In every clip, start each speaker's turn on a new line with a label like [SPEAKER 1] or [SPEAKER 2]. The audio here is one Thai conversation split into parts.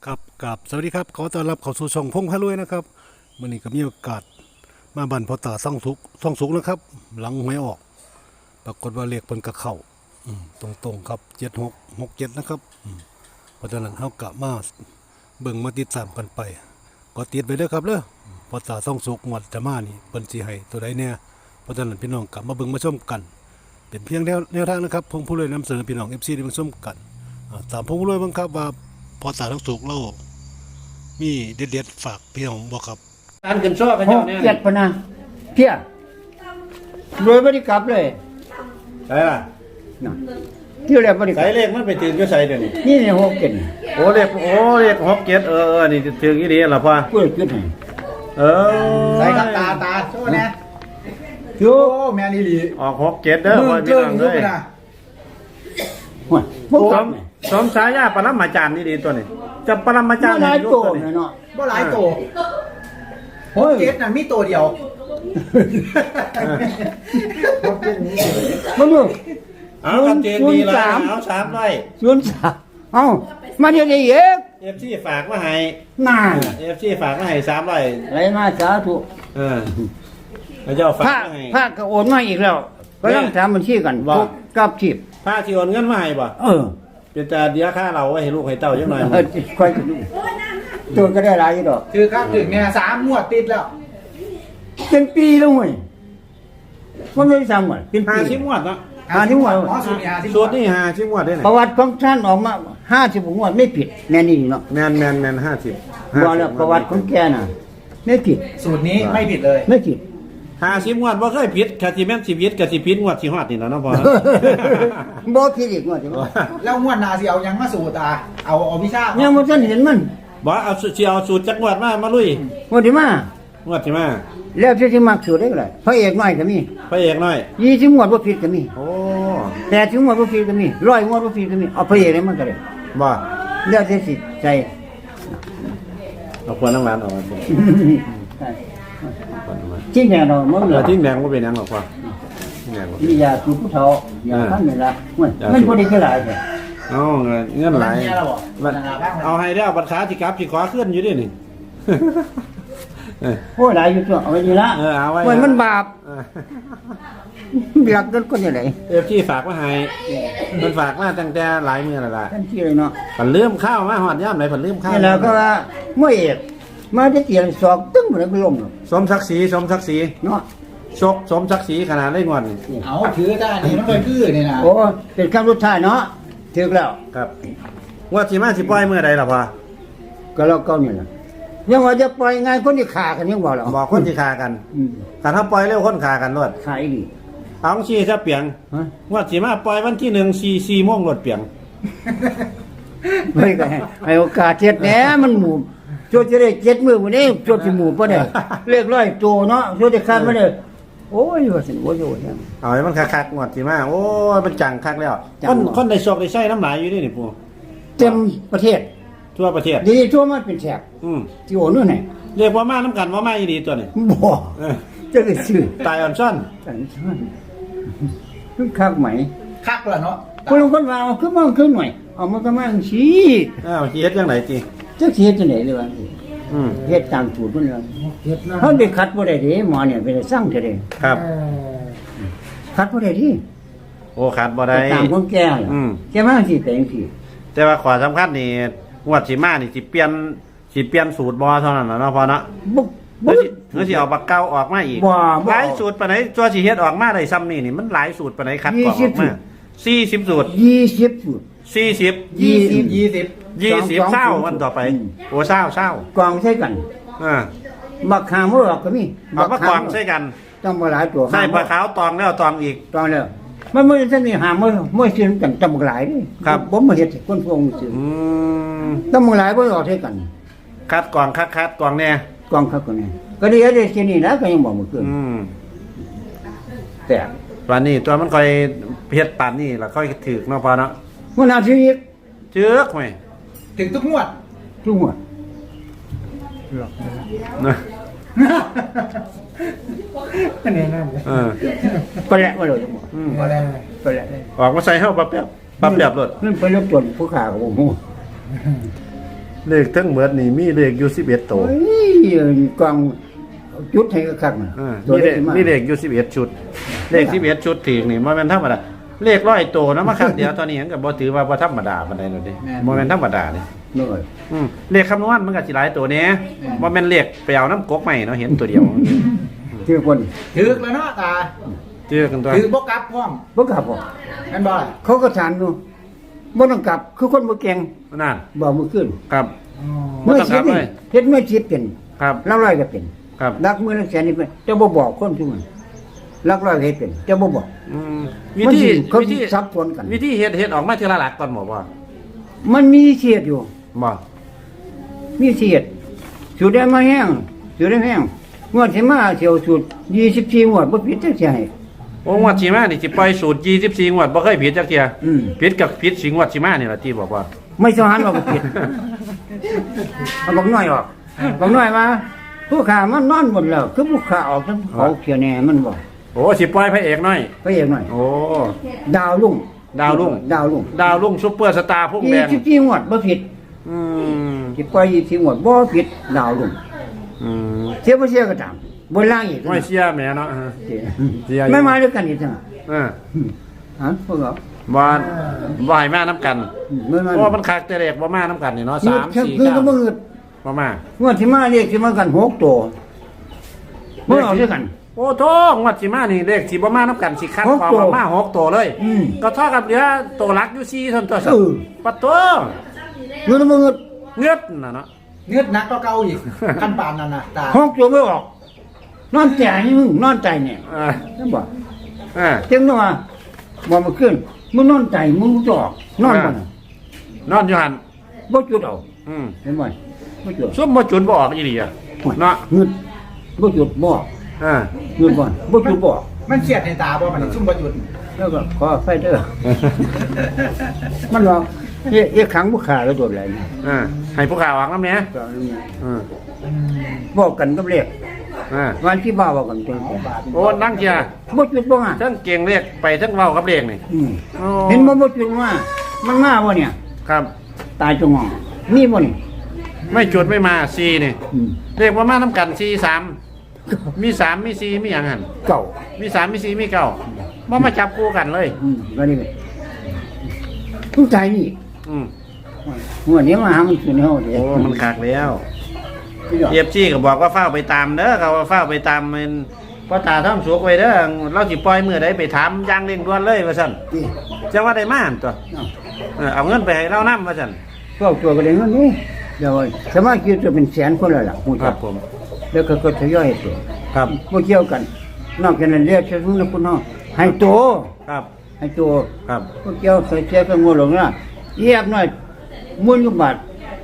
[SPEAKER 1] ครับกับสวัสดีครับขอต้อนรับเข้าสู่ช่องพงพารวยนะครับวันนี้ก็มีโอกาสมาบันพอตาซ่องสุกนะครับ หลังหวยออกปรากฏว่าเลขเพิ่นกระเข้าตรงครับ7667นะครับเพราะฉะนั้นเฮากะมาเบิ่งมาติดตามกันไปก็ติดไปเด้อครับเด้อพอตาซ่องสุกงวดจะมานี่เพิ่นสิให้ตัวใดแน่เพราะฉะนั้นพี่น้องกลับมาเบิ่งมาชมกัน เป็นเพียงแนวทางนะครับพงพารวยนำเสนอพี่น้อง FC ได้เบิ่งชมกันตามพงพารวยบ้างครับว่าพอตาซ่องสุกเรามีเด็ดๆฝากพี่น้องบอกครับ
[SPEAKER 2] การขึ้นซ้อกัน
[SPEAKER 3] ห
[SPEAKER 2] เจ้าก เนี่ย
[SPEAKER 3] เจ็ดพะนะเพี้ยรวยบริกลับเลย
[SPEAKER 2] ใช่ล่ะ
[SPEAKER 3] นะที่แรกบริกลั
[SPEAKER 2] ใส่
[SPEAKER 3] บ
[SPEAKER 2] เลขมันไปถึงก็ใส่เดี๋ยวนี้
[SPEAKER 3] นี่เนี่ยหกเจ็ด
[SPEAKER 2] โอ้เลข67นี่ถึงอีดีล่ะพ่อ
[SPEAKER 3] กูเลยคิดให้
[SPEAKER 2] เออ
[SPEAKER 4] ใส่ครับตาโชว์นะ
[SPEAKER 3] โย่
[SPEAKER 4] โอ้แมนอีหลี
[SPEAKER 2] ออก67เด้อพ่อพี่น้อง
[SPEAKER 4] ยุ
[SPEAKER 2] เอ้
[SPEAKER 4] บ
[SPEAKER 2] ย
[SPEAKER 4] นะ
[SPEAKER 3] หัวพวก
[SPEAKER 2] ส
[SPEAKER 3] กั
[SPEAKER 2] ม
[SPEAKER 3] บ
[SPEAKER 2] สมฉายาปรมาจารย์นี่ดีตัวนี้จะปรมาจารย์
[SPEAKER 3] หลาย
[SPEAKER 2] ยุค
[SPEAKER 3] โต
[SPEAKER 2] ตัวนี้
[SPEAKER 3] เนาะ
[SPEAKER 4] บ่หลายโต
[SPEAKER 3] โอ้ย
[SPEAKER 4] เจ็ดน่ะมีตัวเดียว
[SPEAKER 3] มาดู
[SPEAKER 2] เอาชัดเจนดีแล้วเอา3ไว้
[SPEAKER 3] 03เอ้ามาเดี๋ยวนี้เอก
[SPEAKER 2] FC ฝากมาให้
[SPEAKER 3] น่า
[SPEAKER 2] FC ฝากมาให้3ไว้
[SPEAKER 3] อะไรมาสาธุ
[SPEAKER 2] พระเจ้าฝาก
[SPEAKER 3] พระ
[SPEAKER 2] มาให้
[SPEAKER 3] พระก็โอนมาอีกแล้วก็ต้องทำบัญชีกัน
[SPEAKER 2] ว่า
[SPEAKER 3] ทุกกับชีพ
[SPEAKER 2] พระที่โอนเงินมาให้บ่
[SPEAKER 3] เออ
[SPEAKER 2] เป็นแต่เดียวค่าเราไว้ให้ลูกให้เต้าจังหน่อย
[SPEAKER 3] ค่อยกันดูตัวก็ได้หลายอยู่ดอก
[SPEAKER 4] คือครับถึงเนี่ย3 งวดติดแล้ว
[SPEAKER 3] เป็นปีแล้วเว้ยมันไม่ได้ซ้ำอ่ะเป็นปี
[SPEAKER 2] 50งวดเนาะ
[SPEAKER 3] 50 งวด
[SPEAKER 4] อ๋อสูตรนี้50
[SPEAKER 2] สูตรนี่50งวดได้ไหน
[SPEAKER 3] ประวัติของท่านออกมา50 งวดไม่ผิดแน่นี่เนาะ
[SPEAKER 2] แมน50
[SPEAKER 3] บอกแล้วประวัติของแกน่ะไม่ผิด
[SPEAKER 4] สูตรนี้ไม่ผิดเลย
[SPEAKER 3] ไม่ผิด
[SPEAKER 2] 50งวดบ่เคยผิดคาสิแม่นสิผิดก็สิผิดงวดสิฮอดนี่ล่ะเนาะพ่อ
[SPEAKER 3] บ่ผิดอีกงวดใช่ไหม
[SPEAKER 4] แล้วงวดหนาสิเอายังมาสูตรเอาวิชา
[SPEAKER 3] ยังบ่ทันเห็นมัน
[SPEAKER 2] บ่เอาสิเอาสูตรจักงวดมาลุย
[SPEAKER 3] งวดที่มาง
[SPEAKER 2] วดสิมา
[SPEAKER 3] แล้วที่มักสุดได้ก็ได้พระเอกน้อยก็มี
[SPEAKER 2] พระเอกน้อย
[SPEAKER 3] 20 งวดบ่ผิดก็มี
[SPEAKER 2] โอ้
[SPEAKER 3] 80 งวดบ่ผิดก็มี100 งวดบ่ผิดก็มีเอาพระเอกได้มันก็ได้
[SPEAKER 2] บ่
[SPEAKER 3] แล้วแต่สิใจ
[SPEAKER 2] เอาควรน้ำหวานออกมาบ่
[SPEAKER 3] จริงแน่เนาะมึง
[SPEAKER 2] เอ
[SPEAKER 3] เหร
[SPEAKER 2] อ
[SPEAKER 3] อ
[SPEAKER 2] ทิ้งแดงบ่เป็นหยังหรอกพ่อทิ้งแดงบ่เป็น
[SPEAKER 3] นี่ยาสูบผู้เฒ่าอย่าพันนี่ล่ะมันบ่ได้คือหลายแท้
[SPEAKER 2] เอาเงินหลาย
[SPEAKER 4] เนี่ยเราบอก
[SPEAKER 2] บัดเอาให้ได้บัตรขาสิกลับสิขอขึ้นอยู่ดินี่
[SPEAKER 3] โอ้ยหลายอยู่ตัวเอาไว้นี่ละ
[SPEAKER 2] เอาไว้
[SPEAKER 3] โอ้ยมันบาป
[SPEAKER 2] เออ
[SPEAKER 3] หลักกันคนจังได๋
[SPEAKER 2] ที่ฝากมาให้มันฝากมาตั้งแต่หลายมื้อแล้วล่ะ
[SPEAKER 3] ทันทีเลยเนาะ
[SPEAKER 2] เพิ่นลืมข้าวมาฮอดยามไหนเพิ่นลืมข้าว
[SPEAKER 3] นี่แหละก็ว่ามวยเอกมาจะเตียนศอกตึ้งบ่ได้ไปล้มหรอก
[SPEAKER 2] สมศักดิ์ศรีสมศักดิ์ศรี
[SPEAKER 3] เนาะ
[SPEAKER 2] สมศักดิ์ศรีขนาดได้งอนนี่
[SPEAKER 4] เอาถือได้นี่มันเคยคือนี่นะ
[SPEAKER 3] โอ้เป็นคำสุดท้ายเนาะถึกแล้ว
[SPEAKER 2] ครับว่าสิมาสิปล่อยเมื่อใดล่ะพ่อ
[SPEAKER 3] ก็แล้วเก่านี่ล่ะยังว่าจะปล่อยงานคนที่ฆ่ากันยังบ่ล่ะ
[SPEAKER 2] บอกคนสิฆ่ากัน
[SPEAKER 3] อืม
[SPEAKER 2] ถ้าถ้าปล่อยเร็วคนฆ่ากันรวด
[SPEAKER 3] ขายดี
[SPEAKER 2] เอาชี้ซะเปียง
[SPEAKER 3] ฮะ
[SPEAKER 2] ว่าสิมาปล่อยวันที่1 4 4โมงรถเปียง
[SPEAKER 3] เฮ้ยก็ให้โอกาสเจ็ดแหน่มันหมู่โจจะได้7มื้อมื้อนี้โจสิหมู่บ่ได้เลขร้อยโตเนาะโจจะคัดบ่ได้โอ้ยว่าสิโอ้ยโอ้ย
[SPEAKER 2] เอาให้มันคักๆงวดสิมาโอ้ยมันจังคักแล้ว
[SPEAKER 3] จัง
[SPEAKER 2] คนได้โชคได้ใช้น้ำลายอยู่นี่นี่ปู่
[SPEAKER 3] เต็มประเทศ
[SPEAKER 2] ทั่วประเทศ
[SPEAKER 3] ดีทั่วมันเป็นแฉก
[SPEAKER 2] อืม
[SPEAKER 3] ที่โอ้นู่นไหน
[SPEAKER 2] เรียกว่ามาน้ำกันว่ามาอีดีตัวนี้
[SPEAKER 3] บ่
[SPEAKER 2] เออ
[SPEAKER 3] จะได้ซื้อ
[SPEAKER 2] ตายอ่อนซ่อน
[SPEAKER 3] กันซ่อนคึกคักไหม
[SPEAKER 4] คักแล้วเนาะ
[SPEAKER 3] คนลงคนว่าเอาขึ้นมาขึ้นหน่อยเอามันก็มาจังซี่
[SPEAKER 2] อ้าวสิเฮ็ดจังไดจิ
[SPEAKER 3] จักสิเฮ็ดจังได๋เลยวะ
[SPEAKER 2] อืม
[SPEAKER 3] เฮ็ดตามสูตรเพิ่นเลย
[SPEAKER 4] เฮ็ดนะ
[SPEAKER 3] เฮาได้คัดบ่ได้เด้หมอเนี่ยไปได้สั่งจะได้
[SPEAKER 2] ครับ
[SPEAKER 3] คัดบ่ได้ดิ
[SPEAKER 2] โอ้ขาดบ่ได้
[SPEAKER 3] ตามของแกล่ะ
[SPEAKER 2] อืม
[SPEAKER 3] แกมาจังซี่แต่จังซี่
[SPEAKER 2] แต่ว่าขอสำคัญนี่งวดสิมานี่สิเปลี่ยนสูตรบ่เท่านั้นน่ะเนาะพ่อเนาะ
[SPEAKER 3] บ่
[SPEAKER 2] เดี๋ยวสิเอาปากเก้าออกมาอีก
[SPEAKER 3] บ่
[SPEAKER 2] หลายสูตรปานไหนตัวสิเฮ็ดออกมาได้ซ้ำนี่มันหลายสูตรปานไหนคัดกรองออกมา40สูตร
[SPEAKER 3] 20สูตร
[SPEAKER 2] 40
[SPEAKER 4] 20
[SPEAKER 2] 20เศร้าวันต่อไป โอ้เศร้าก
[SPEAKER 3] องใช้กัน
[SPEAKER 2] อ่า
[SPEAKER 3] บักขามบ่ออกก็มี
[SPEAKER 2] เอามากรองใส่กัน
[SPEAKER 3] ต้องบ่หลายตัว
[SPEAKER 2] ใส่ปลาขาวตองแล้วตองอีก
[SPEAKER 3] ตอนแล้วมันไม่ใช่มีหาไม่ซื้อกันตำบักหลายนี่
[SPEAKER 2] ครับ
[SPEAKER 3] ผมมาเฮ็ดให้คนพวกนี้ซื้อ
[SPEAKER 2] อืม
[SPEAKER 3] ตำบักหลายบ่ออกใช้กัน
[SPEAKER 2] คัดกรองคัดกรองแน่
[SPEAKER 3] กองคักกันนี่ก็ดีได้ที่นี่นะก็ยังบอกบ่ขึ้น
[SPEAKER 2] อืม
[SPEAKER 3] แต่
[SPEAKER 2] วันนี้ตัวมันค่อยเฮ็ดปานนี่แล้วค่อยถึกเนาะพอเนาะ
[SPEAKER 3] มันเอาชีวิต
[SPEAKER 2] เจือกไหม
[SPEAKER 4] ถึงทุกงวด
[SPEAKER 3] ทุกหัว
[SPEAKER 2] นะ
[SPEAKER 4] นี่นั่นเลย
[SPEAKER 2] เออ
[SPEAKER 3] ไปแล้วบ่เลยจังบ่
[SPEAKER 2] อืม
[SPEAKER 4] บ่ได้
[SPEAKER 3] ไปแล้ว
[SPEAKER 2] ออกมาใส่เฮาปั๊บแป๊บรถ
[SPEAKER 3] นั่นไปรบจนผู้ขาก็บ่ฮู้
[SPEAKER 2] เลขทั้งหมดนี่มีเลขอยู่11ตัว
[SPEAKER 3] โอ้ยกองจุดให้คักๆน่ะ
[SPEAKER 2] มีเลขมีเลขอยู่11ชุด เลข11ชุดถึงนี่บ่แม่นธรรมดาเลข100ตัวนะมาครับเดี๋ยวตอนนี้ยังก็บ่ถือว่าบ่ธรรมดาปานใดแล้วเด้บ่แม่นธรรมดาเด้
[SPEAKER 3] น้อย
[SPEAKER 2] เลขคำนวณมันก็สิหลายตัวแหน่บ่แม่นเลขไปเอาน้ำกกใหม่เนาะเห็นตัวเดียว
[SPEAKER 3] เชื่อคน
[SPEAKER 4] ถึกแล้วเนาะตา
[SPEAKER 2] เจอกันตัว
[SPEAKER 4] ถือบ่กลับพร้อม
[SPEAKER 3] บ่กลับบ่
[SPEAKER 4] นั่นบ่ล่ะ
[SPEAKER 3] เขาก็ถามอยู่บ่ต้องกลับคือคนบ่เก่ง
[SPEAKER 2] นั่น
[SPEAKER 3] บอกมื้อคืน
[SPEAKER 2] ครับ
[SPEAKER 4] อ๋อ
[SPEAKER 2] บ่ต้องกลับเลย
[SPEAKER 3] เฮ็ดเมื่อชิดเป็น
[SPEAKER 2] ครับ
[SPEAKER 3] หลักร้อยก็เป็น
[SPEAKER 2] ครับ
[SPEAKER 3] หลักมื้อละแสนนี่เป็นจะบ่บอกคนทุกมันหลักร้อยก็เฮ็ดเป็นจะบ่บอก
[SPEAKER 2] วิ
[SPEAKER 3] มัน
[SPEAKER 2] ธี
[SPEAKER 3] สิเขา
[SPEAKER 2] วิธี
[SPEAKER 3] ซับซ้อนกัน
[SPEAKER 2] วิธีเฮ็ดออกมาทีละหลักก่อนบ่ว่า
[SPEAKER 3] มันมีเสียดอยู่
[SPEAKER 2] บ่
[SPEAKER 3] มีเสียดสูตรได้มาแห้งสูตรได้แห้งงวดที่มาเสียวสูตร24งวดบ่ผิดจักเสียให้
[SPEAKER 2] โอ้งวดสิมานี่สิปล่อยสูตร24งวดบ่เคยผิดจักเที่ย
[SPEAKER 3] อืม
[SPEAKER 2] ผิดกับผิดสิงวดสิมานี่ล่ะที่บอกว่า
[SPEAKER 3] ไม่สหันว่าบ่ผิดเอาบอกน้อยออกบอกน้อยมาผู้ขามันนอนหมดแล้วคือผู้ขาออกทั้งเขาเขียแน่มันบ่
[SPEAKER 2] โอ้สิปล่อยพระเอกน้อย
[SPEAKER 3] ไปเองหน่อย
[SPEAKER 2] โอ้
[SPEAKER 3] ดาวลุ่ง
[SPEAKER 2] ดาวรุ่ง
[SPEAKER 3] ดาวลุ่ง
[SPEAKER 2] ดาวรุ่งซุปเปอร์สตาร์พุ่งแดง
[SPEAKER 3] 24งวดบ่ผิด
[SPEAKER 2] อืม
[SPEAKER 3] สิปล่อย24งวดบ่ผิดดาวลุ่ง
[SPEAKER 2] อืม
[SPEAKER 3] เสียบ่เสียก็ตามบนล่างอีก
[SPEAKER 2] ไม่เชื่อแม่เนาะเสียอยู่
[SPEAKER 3] ไม่มาด้วยกันอีกจัง ฮะพวกเรา
[SPEAKER 2] บ่บ่ให้มานํกัน
[SPEAKER 3] ไม่มา
[SPEAKER 2] เพราะว่ามันคักแต่เด็กบ่มานํกันนี่เนาะ
[SPEAKER 3] คือ
[SPEAKER 2] 3 4
[SPEAKER 3] คือก็บ่
[SPEAKER 2] 9
[SPEAKER 3] เงิด
[SPEAKER 2] บ่มา
[SPEAKER 3] งวดที่มาเรียกสิมากัน6ตัวบ่เอาด้วยกัน
[SPEAKER 2] โอ้โธ่งวดสิมานี่เลขสิบ่มานํกันสิคัด
[SPEAKER 3] หก
[SPEAKER 2] ออก
[SPEAKER 3] ตัว
[SPEAKER 2] มา6ตัวเลย
[SPEAKER 3] อืม
[SPEAKER 2] ก็เท่ากับเหลือตัวหลักอยู่4เท่านั้นตัวสั
[SPEAKER 3] เออ
[SPEAKER 2] ปัดตัว
[SPEAKER 3] เงินบ่เงิด
[SPEAKER 2] เงือดน่ะเนาะ
[SPEAKER 4] เงือดหนักก็เก่าอีกขั้นปานนั่นน่ะตา
[SPEAKER 3] 6ตัวไม่ออกนอนแต่นี่มึงนอนใจเนี่ย
[SPEAKER 2] อ่า
[SPEAKER 3] นั่นบ่
[SPEAKER 2] อ่า
[SPEAKER 3] จังว่าบ่มาขึ้นมึงนอนใจมึงจะออกนอนบ่น่ะ
[SPEAKER 2] นอนอยู่หั่น
[SPEAKER 3] บ่จุดเอา
[SPEAKER 2] อืม
[SPEAKER 3] เห็นบ่บ่จุด
[SPEAKER 2] ซุ่มบ่จุนบ่ออกอีหลีอ่ะเนาะ
[SPEAKER 3] เงิดบ่จุดบ่
[SPEAKER 2] อ่า
[SPEAKER 3] เงิดบ่บ่จุดบ่
[SPEAKER 4] มันเครียดในตาบ่มันซุ่มบ่หยุด
[SPEAKER 3] แล้วก็ขอไฟเด้อมันว่าเอ๊ะขังบ่ขาแล้วโดดแล้วนี่
[SPEAKER 2] อ่าให้ผู้ข่าวออกนำแหน่
[SPEAKER 3] ก็อันนี้
[SPEAKER 2] อืม
[SPEAKER 3] บอกกันกับเลข
[SPEAKER 2] อ่า
[SPEAKER 3] วันที่บ้าบอกกันจัง
[SPEAKER 2] โอ้นั่งเชียร์
[SPEAKER 3] บ่จุดบ่อ่ะ
[SPEAKER 2] ทั้งเก่งเรียกไปทั้งเว้ากับเรียกนี่
[SPEAKER 3] อืม
[SPEAKER 2] โอ้
[SPEAKER 3] เห็นบ่บ่จุดว่ามันมาบ่เนี่ย
[SPEAKER 2] ครับ
[SPEAKER 3] ตายจงงองมีบ่นี่
[SPEAKER 2] ไม่จุดไม่มา4นี่
[SPEAKER 3] อืม
[SPEAKER 2] เลขว่ามานํกัน4 3มี3มี4มีหยังหั่น
[SPEAKER 3] เก่า
[SPEAKER 2] มี3มี4มี9บ่มาจับคู่กันเลย
[SPEAKER 3] วันนี้ทุกใจนี่
[SPEAKER 2] อืม
[SPEAKER 3] หัวนี้มาหามันขึ้นเฮาเด้
[SPEAKER 2] โอ้มันคักแล้ว
[SPEAKER 3] พี่น้อง
[SPEAKER 2] เอฟซีก็บอกว่าเฝ้าไปตามเด้อเขาว่าเฝ้าไปตามมันพ่อตาท่องสุกไว้เด้อเราสิปล่อยมื้อใดไปถามอย่างเร่งด่วนเลยว่าซั่น
[SPEAKER 3] นี่
[SPEAKER 2] จังว่าได้มาหั่นตัว เอาเงินไปให้เรานำว่าซั่น
[SPEAKER 3] ก็ตัวก็ได้เงินนี่เดี๋ยวสมาชิกจะเป็นแสนคนแล้วล่ะฮู้
[SPEAKER 2] ค
[SPEAKER 3] จั
[SPEAKER 2] รั
[SPEAKER 3] ก
[SPEAKER 2] บผม
[SPEAKER 3] แล้วก็ทยอยตัว
[SPEAKER 2] ครับ
[SPEAKER 3] บ่เกี่ยวกัน นอกจากนั้นเรียกชื่อนะคุณเฮาให้โต
[SPEAKER 2] ครับ
[SPEAKER 3] ให้โต
[SPEAKER 2] ครับ
[SPEAKER 3] บ่เกี่ยวใส่เสียกันงหลงนะเยียบหน่อยมื้อยุบาท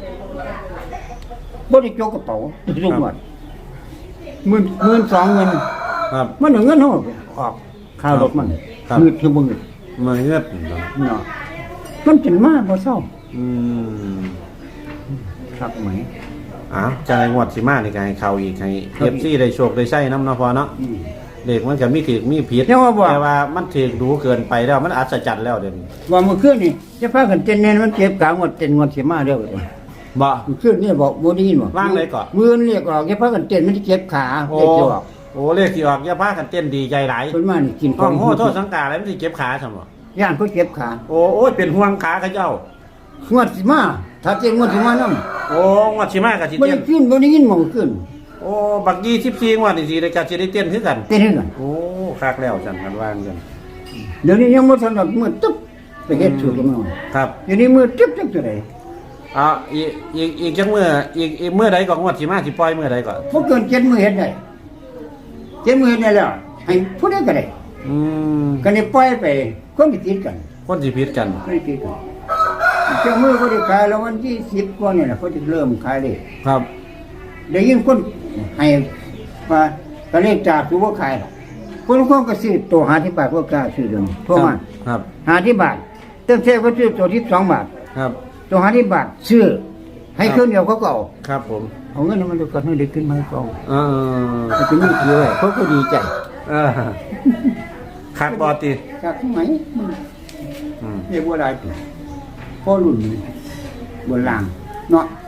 [SPEAKER 3] บ่ได้จกกระเป๋าทุกวัน12,000
[SPEAKER 2] ครับ
[SPEAKER 3] มันเอาเงินเฮาออกค่ารถมัน
[SPEAKER 2] ครับ
[SPEAKER 3] มืดคือบ่มืด
[SPEAKER 2] มาเงือด
[SPEAKER 3] เนาะมันจนมาบ่เศร้า
[SPEAKER 2] อืม
[SPEAKER 3] คักไหม
[SPEAKER 2] อ้าวจังได๋งวดสิมานี่ก็ให้เข้าอีกให้ FC ได้โชคได้ใช้นำเนาะพอเนาะ
[SPEAKER 3] อืม
[SPEAKER 2] เด็กมันก็มีถูกมีผิด
[SPEAKER 3] แต่ว่าบ่
[SPEAKER 2] แต่ว่ามันถูกดูเกินไปแล้วมันอัศจรรย์แล้วเดี๋ยวนี้
[SPEAKER 3] ว่าเมื่อคืนนี่จะพากันเต้นแน่นมันเจ็บกลางวันเต้นวันสิมาเด้อ
[SPEAKER 2] บ่
[SPEAKER 3] เมื่อคืนนี่บอกบ่ได้ยินบ่
[SPEAKER 2] ว่างเลยก่อน
[SPEAKER 3] มื้อนี้เรียกออกจะพากันเต้นมันสิเจ็บขา
[SPEAKER 2] โอ้
[SPEAKER 3] เจ็บจะออก
[SPEAKER 2] โอ้เลขที่ออกอย่าพากันเต้นดีใจหลาย
[SPEAKER 3] เพิ่นมานี่กินข
[SPEAKER 2] ห้
[SPEAKER 3] อ
[SPEAKER 2] อง งโหโทษสังกาอะไรมันสิเจ็บขาซั่นบ่
[SPEAKER 3] ย่านเขาเจ็บขา
[SPEAKER 2] โอ้ยเป็นห่วงขาเขาเจ้าง
[SPEAKER 3] วดสิมาถ้าเจ็บงวดสิมานำ
[SPEAKER 2] โอ้งวดสิมาก็สิ
[SPEAKER 3] บ่
[SPEAKER 2] เต้
[SPEAKER 3] ได้
[SPEAKER 2] น
[SPEAKER 3] ขึ้นบ่ได้ยินหมองขึ้น
[SPEAKER 2] โอ้บัก24งวดนี่สิได้ก็สิได้เต้นคือกัน
[SPEAKER 3] เต้นให้กัน
[SPEAKER 2] โอ้คักแล้วซั่นกันว่ากัน
[SPEAKER 3] เดี๋ยวนี้ยังบ่ทันดอกมือตึ๊บไปเฮ็ดสูตรกันมา
[SPEAKER 2] ครับ
[SPEAKER 3] เดี๋ยวนี้มือตึ๊บจังได๋
[SPEAKER 2] อีกจังมื้ออีกมื้อใดก็งวดสิมาสิปล่อยมื้อใดก็
[SPEAKER 3] บ่เกิน7มื้อเฮ็ดได้7มื้อเฮ็ดได้แล้วให้ผู้ใดก็ได้
[SPEAKER 2] อืม
[SPEAKER 3] ก็ได้ปล่อยไปคนที่ติดกัน
[SPEAKER 2] คนสิผิดกัน
[SPEAKER 3] ไม่ติดกันเจ้ามือก็ได้ขายแล้ววันที่10กว่านี่แหละเขาจะเริ่มขายเลย
[SPEAKER 2] ครับ
[SPEAKER 3] ได้ยินคนให้ว่าก็เลขจากตัวบ่ขายหรอกคนก็ซื้อตัว50บาทพวกกล้าซื้อเดี๋ยวนี้โทั่วมา
[SPEAKER 2] ครับ
[SPEAKER 3] 50บาทเติมเท่ก็ซื้อตัวที่2บาท
[SPEAKER 2] ครับ
[SPEAKER 3] ตัว50บาทซื้อให้เครื่องเดียวเขาก็เอา
[SPEAKER 2] ครับผม
[SPEAKER 3] เอาเงินมันก็ให้ได้ขึ้นมาให้เขา
[SPEAKER 2] เออ
[SPEAKER 3] มันเป็นนี่คือไว้เขาก็ดีใจ
[SPEAKER 2] เออคักบ่ติ
[SPEAKER 3] จากไหนมัน
[SPEAKER 2] อืม
[SPEAKER 3] เรียกว่าอะไรพ่อรุ่นนี้บนล่างเนาะ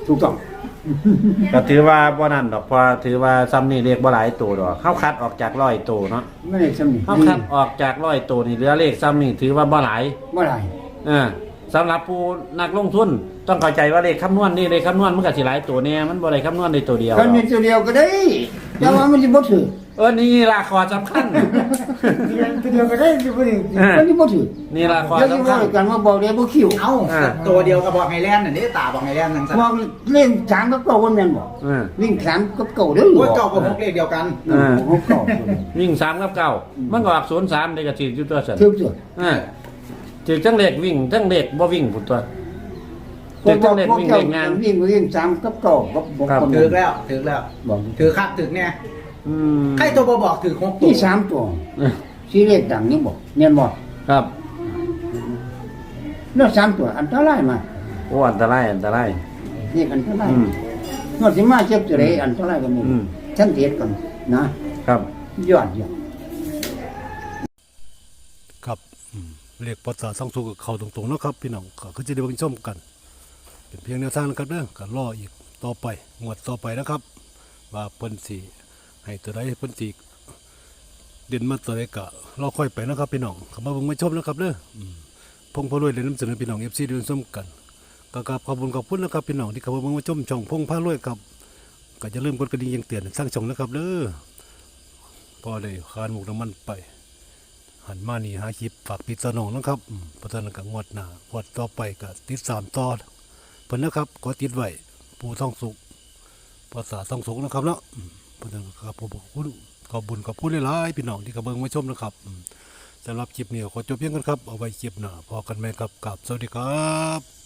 [SPEAKER 3] ถูกต้อง
[SPEAKER 2] ก็ถือว่าบ่นั่นดอกเพอถือว่าซ้ำนี่เลขบ่หลายตัวดอกเข้าคัดออกจาก100ตัวเนาะ
[SPEAKER 3] ไม่ได้สำนึก
[SPEAKER 2] เข้าคัดออกจาก100ตัวนี่เหลือเลขซ้ำนี่ถือว่าบ่หลาย
[SPEAKER 3] เมื่อไหร่
[SPEAKER 2] สำหรับผู้นักลงทุนต้องเข้าใจว่าเลขคำนวณนี่เลขคำนวณมันก็สิหลายตัวเนี่ยมันบ่ได้คำนวณในตัวเดียว
[SPEAKER 3] คันมีตัวเดียวก็ได้แต่ว่ามันสิบ่ถือ
[SPEAKER 2] นี่ล่ะข้อสำคัญ
[SPEAKER 3] ตัวเดียวก็ได้สิบ่ได้มันสิบ่ถือ
[SPEAKER 2] นี่ล่ะข้อ
[SPEAKER 3] เดี๋ยวสิ
[SPEAKER 2] สำ
[SPEAKER 3] ว่า
[SPEAKER 2] คัญ
[SPEAKER 3] กันว่าบอกได้บ่คิว
[SPEAKER 4] เอ้าตัวเดียวกับบอกไฮแลนด์น่ะนี่ตาบอกไฮแลนด์นั่นซะ
[SPEAKER 3] บอกเล่น3กับ9ว่าแม่นบ่
[SPEAKER 2] เออ
[SPEAKER 3] วิ่ง3กับ9เด้อ
[SPEAKER 4] โอ้ยเก่ากับพวกเลขเดียวกัน
[SPEAKER 3] หกเก้า
[SPEAKER 2] วิ่ง3กับ9มันก็ออก03ได้ก็ถืออยู่ตัวซั่น
[SPEAKER 3] ถือตัว
[SPEAKER 2] ถือทั้งเลขวิ่งทั้งเลขบ่วิ่งพุ่นตัวถือทั้งเลขวิ่งเลขงาน
[SPEAKER 3] วิ่ง3กับ9กับบ่
[SPEAKER 2] ครับ
[SPEAKER 4] ถือแล้วถือแล้ว
[SPEAKER 3] บอก
[SPEAKER 4] ถือคักถือเนี่ย
[SPEAKER 2] อืม
[SPEAKER 4] ใครตัวบ่บอกถือ6ตัว
[SPEAKER 3] นี่3ตัว
[SPEAKER 2] เออ
[SPEAKER 3] สิเลขดังนี่บ่แม่นบ่
[SPEAKER 2] ครับ
[SPEAKER 3] แล้ว3ตัวอันตรายมา
[SPEAKER 2] โอ้อันตรายอันตราย
[SPEAKER 3] นี่อันตราย
[SPEAKER 2] อืม
[SPEAKER 3] นอกสิมาเจ็บตัวใดอันตรายก็มี
[SPEAKER 2] อืม
[SPEAKER 3] ฉันเทศก่อนนะครับ ยอด
[SPEAKER 1] ครับเลขพศ20กับเขาตรงๆเนาะครับพี่น้องก็คือจะได้เบิ่งชมกัน เป็นเพียงแนวทางนะครับเด้อก็รออีกต่อไปงวดต่อไปนะครับ ว่าเพิ่นสิให้ตัวใดเพิ่นสิเด่นมาตัวใดก็รอค่อยไปนะครับพี่น้องเข้ามาเบิ่งมาชมนะครับเด้อพงพารวยได้นำเสนอพี่น้อง FC ได้ชมกันก็กราบขอบคุณนะครับพี่น้องที่เข้ามาเบิ่งมาชมช่องพงพารวยครับก็อย่าลืมกดกระดิ่งแจ้งเตือนสร้างช่องนะครับเด้อพอได้คานหมกน้ำมันไป หันมานี่หาคลิปฝากพี่ตาน้องนะครับเพราะฉะนั้นก็งวดหน้างวดต่อไปก็ติด3ต่อเพิ่นนะครับก็ติดไว้ผู้ท่องสุขภาษาท่องสุขนะครับเนาะเพราะฉะนั้นก็ขอบคุณขอบบุญขอบคุณหลายๆพี่น้องที่กระเบิงมาชมนะครับสำหรับคลิปนี้ขอจบเพียงกันครับเอาไว้คลิปหน้าพอกันไหมครับกับสวัสดีครับ